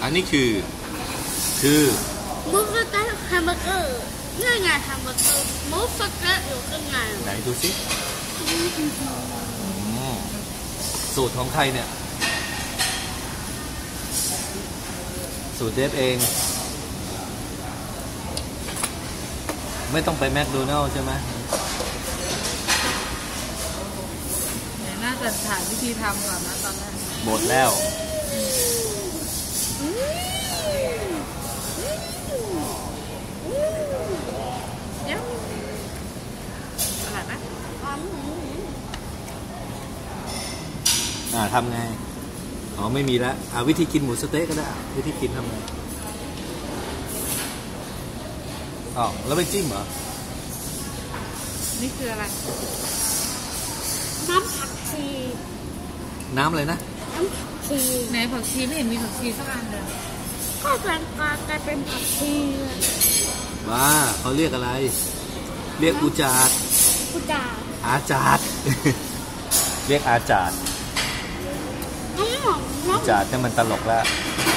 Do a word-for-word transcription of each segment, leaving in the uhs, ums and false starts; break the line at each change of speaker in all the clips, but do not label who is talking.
อันนี้คือคือ
มูสเต๊ะแฮมเบอร์เกอร์นี่ไงแฮมเบอร์เกอร์มูสเต๊ะอยู่ข้างใน
ไหนดูสิสูตรของใครเนี่ยสูตรเดฟเองไม่ต้องไปแมคโดนัลด์ใช่ไหม
น่าจะถ่ายวิธีทำก่อนนะตอนแรก
หมดแล้วอ่าทำไงอ๋อไม่มีแล้วอ่าวิธีกินหมูสเต๊กก็ได้วิธีกินทำไงอ๋อแล้วไม่จิ้มเหรอ
นี่คืออะไร
น้ำผักชี
น้ำอะไรนะ
น้ำผักชี
ไหนผักชีไม่เห็นมีผักชีสักอันเลย
ก็แปลงกลายเป็นผักชี
ว้าเขาเรียกอะไรเรียกอุจาด
อุจาด
อาจาดเรียกอาจาดจาดเนี่ยมันตลกแล้ว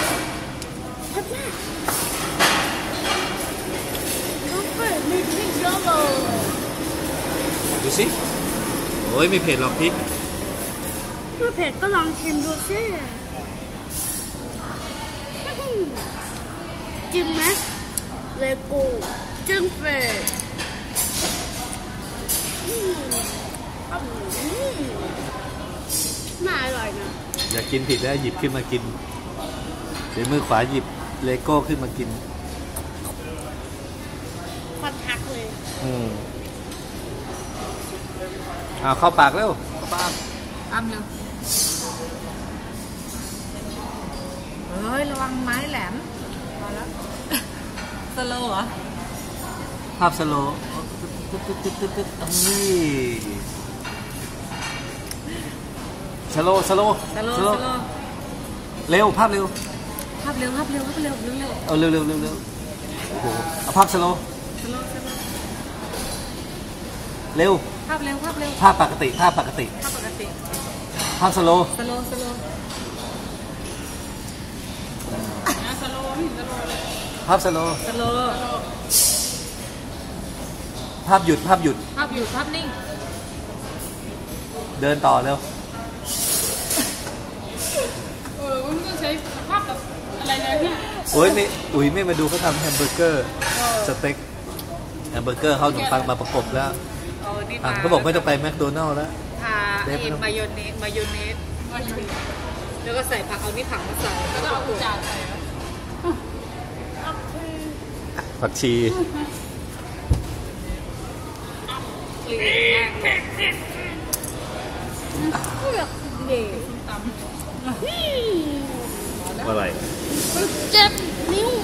ดูสิโอ้ยไม่เผ็ดหรอกพริก
ไม่เผ็ดก็ลองชิมดูสิจิ้มไหมเลโก้จิ้มเผ็ดน่าอร่อยนะ
อยากกินผิดแล้วหยิบขึ้นมากินเดี๋ยวมือขวาหยิบเลโก้ขึ้นมากิน
ความทักเลย
อืมอ่าเข้าปากเร็วเข้าปาก
อ้ำเร็วเฮ้ยระวังไม้แหลมพอแล้วสโลว์เหรอ
ภาพสโลว์ตึ๊ดตึ๊ดตึ๊ดตึ๊ดตึ๊ดนี่สโลสโล
สโลสโล
เร็วภาพเร็ว
ภาพเร็วภาพเร็วภาพเร็วเร็วเร็ว
เอาเร็วเร็วเร็วเร็วโอ้โหเอาภาพสโล
สโลสโล
เร็ว
ภาพเร็วภาพเร็ว
ภาพปกติภาพปกติ
ภาพปกติ
ภาพสโล
สโลสโลสโล
ภาพสโล
สโล
ภาพหยุดภาพหยุด
ภาพหยุดภาพนิ่ง
เดินต่อเร็ว
เออมันก็ใช้ภาพแบบอะไรเลยเนี่ย
โอ้ยไม่อุ้ยไม่มาดูเขาทำแฮมเบอร์เกอร์สเต็กแฮมเบอร์เกอร์เขาขนมปังมาประกบแล้วเขาบอกไม่ต้องไปแมคโดนัลด์แล้ว
ทาไอ้มายองเนสมายองเนสแล้วก็ใส่ผักเอานี่ผักมาใส่แล้วก็เอาจานใส่
ผักชีอะไร
เจ็บนิ้ว